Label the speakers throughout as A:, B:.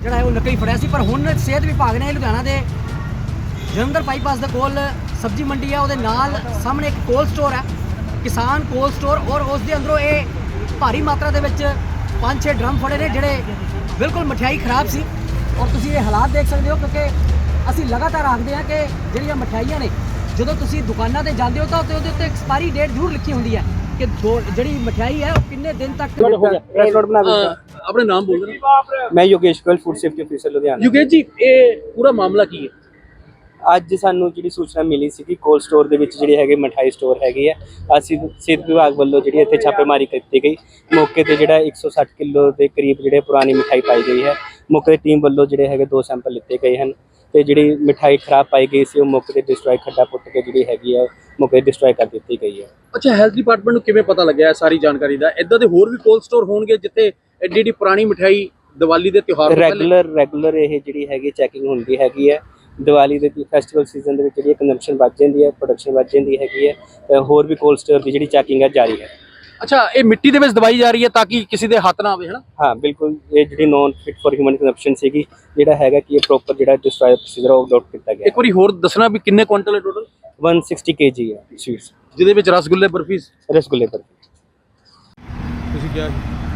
A: ਜਿਹੜਾ ਹੈ ਉਹ ਨਕਲੀ ਫੜਿਆ ਸੀ। ਪਰ ਹੁਣ ਸਿਹਤ ਵਿਭਾਗ ਨੇ ਲੁਧਿਆਣਾ ਦੇ ਜਲੰਧਰ ਬਾਈਪਾਸ ਦੇ ਕੋਲ ਸਬਜ਼ੀ ਮੰਡੀ ਹੈ, ਉਹਦੇ ਨਾਲ ਸਾਹਮਣੇ ਇੱਕ ਕੋਲਡ ਸਟੋਰ ਹੈ, ਕਿਸਾਨ ਕੋਲਡ ਸਟੋਰ, ਔਰ ਉਸ ਦੇ ਅੰਦਰੋਂ ਇਹ ਭਾਰੀ ਮਾਤਰਾ ਦੇ ਵਿੱਚ 5-6 ਡਰਮ ਫੜੇ ਨੇ ਜਿਹੜੇ ਬਿਲਕੁਲ ਮਠਿਆਈ ਖਰਾਬ ਸੀ। ਔਰ ਤੁਸੀਂ ਇਹ ਹਾਲਾਤ ਦੇਖ ਸਕਦੇ ਹੋ, ਕਿਉਂਕਿ ਅਸੀਂ ਲਗਾਤਾਰ ਆਖਦੇ ਹਾਂ ਕਿ ਜਿਹੜੀਆਂ ਮਠਿਆਈਆਂ ਨੇ ਜਦੋਂ ਤੁਸੀਂ ਦੁਕਾਨਾਂ ਤੇ ਜਾਂਦੇ ਹੋ ਤਾਂ ਉਹਦੇ ਉੱਤੇ ਐਕਸਪਾਇਰੀ ਡੇਟ ਜ਼ਰੂਰ ਲਿਖੀ ਹੁੰਦੀ ਹੈ ਕਿ ਜਿਹੜੀ ਮਠਿਆਈ ਹੈ ਉਹ ਕਿੰਨੇ ਦਿਨ ਤੱਕ।
B: अपने नाम बोल रहे हैं।
C: मैं Yogesh Goyal food safety officer Ludhiana.
B: Yugesh ji, ये पूरा मामला की है?
C: ਅੱਜ ਸਾਨੂੰ ਜਿਹੜੀ ਸੂਚਨਾ ਮਿਲੀ ਸੀ ਕਿ ਕੋਲਡ ਸਟੋਰ ਦੇ ਵਿੱਚ ਜਿਹੜੀ ਹੈਗੀ ਮਠਾਈ ਸਟੋਰ ਹੈਗੀ ਹੈ, ਅਸੀਂ ਸਿਹਤ ਵਿਭਾਗ ਵੱਲੋਂ ਜਿਹੜੀ ਇੱਥੇ ਛਾਪੇਮਾਰੀ ਕੀਤੀ ਗਈ। ਮੌਕੇ ਤੇ ਜਿਹੜਾ 160 ਕਿਲੋ ਦੇ ਕਰੀਬ ਜਿਹੜੇ ਪੁਰਾਣੀ ਮਿਠਾਈ ਪਾਈ ਗਈ ਹੈ। ਮੌਕੇ ਦੀ ਟੀਮ ਵੱਲੋਂ ਜਿਹੜੇ ਹੈਗੇ 2 ਸੈਂਪਲ ਲਿੱਤੇ ਗਏ ਹਨ ਤੇ ਜਿਹੜੀ ਮਿਠਾਈ ਖਰਾਬ ਪਾਈ ਗਈ ਸੀ ਉਹ ਮੌਕੇ ਤੇ ਡਿਸਟਰੋਏ ਖੱਡਾ ਪੁੱਟ ਕੇ ਜਿਹੜੀ ਹੈਗੀ ਹੈ ਮੌਕੇ ਤੇ ਡਿਸਟਰੋਏ ਕਰ ਦਿੱਤੀ ਗਈ ਹੈ।
B: ਅੱਛਾ, ਹੈਲਥ ਡਿਪਾਰਟਮੈਂਟ ਨੂੰ ਕਿਵੇਂ ਪਤਾ ਲੱਗਿਆ ਸਾਰੀ ਜਾਣਕਾਰੀ ਦਾ? ਇਦਾਂ ਦੇ ਹੋਰ ਵੀ ਕੋਲਡ ਸਟੋਰ ਹੋਣਗੇ ਜਿੱਥੇ ਐਡੀ ਪੁਰਾਣੀ ਮਠਿਆਈ ਦੀਵਾਲੀ ਦੇ ਤਿਉਹਾਰ ਤੋਂ
C: ਰੈਗੂਲਰ ਇਹ ਜਿਹੜੀ ਹੈਗੀ ਚੈਕਿੰਗ ਹੁੰਦੀ ਹੈਗੀ ਹੈ। ਦੀਵਾਲੀ ਦੇ ਫੈਸਟੀਵਲ ਸੀਜ਼ਨ ਦੇ ਵਿੱਚ ਜਿਹੜੀ ਕੰਜ਼ੰਪਸ਼ਨ ਵੱਧ ਜਾਂਦੀ ਹੈ, ਪ੍ਰੋਡਕਸ਼ਨ ਵੱਧ ਜਾਂਦੀ ਹੈਗੀ ਹੈ। ਹੋਰ ਵੀ ਕੋਲਡ ਸਟੋਰ ਦੀ ਜਿਹੜੀ ਚੈਕਿੰਗ ਹੈ ਜਾਰੀ ਹੈ।
B: ਅੱਛਾ, ਇਹ ਮਿੱਟੀ ਦੇ ਵਿੱਚ ਦਵਾਈ ਜਾ ਰਹੀ ਹੈ ਤਾਂ ਕਿ ਕਿਸੇ ਦੇ ਹੱਥ ਨਾ ਆਵੇ, ਹੈ ਨਾ?
C: ਹਾਂ ਬਿਲਕੁਲ, ਇਹ ਜਿਹੜੀ non fit for human consumption ਸੀਗੀ, ਜਿਹੜਾ ਹੈਗਾ ਕਿ ਇਹ ਪ੍ਰੋਪਰ ਜਿਹੜਾ ਡਿਸਟਰੋਏ ਪ੍ਰੋਸੀਜਰ ਉਹ ਅਡਾਪਟ ਕੀਤਾ ਗਿਆ।
B: ਇੱਕ ਵਾਰੀ ਹੋਰ ਦੱਸਣਾ ਵੀ ਕਿੰਨੇ ਕੁਇੰਟਲ ਹੈ ਟੋਟਲ?
C: 160 kg ਹੈ ਸਵੀਟਸ,
B: ਜਿਹਦੇ ਵਿੱਚ ਰਸਗੁੱਲੇ, ਬਰਫੀ।
C: ਰਸਗੁੱਲੇ ਪਰ
B: ਤੁਸੀਂ ਕਿਹਾ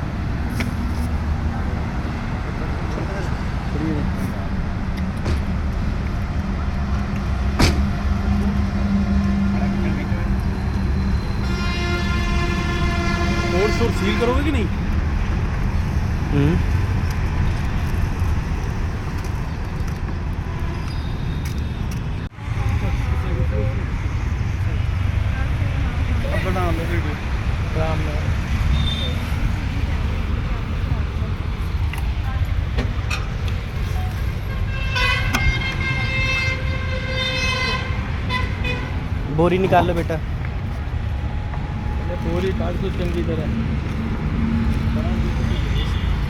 B: कोल्ड स्टोर सील करोगे कि नहीं?
C: बोरी निकाल लो बेटा।
A: पूरी काट दो चंगी तरह।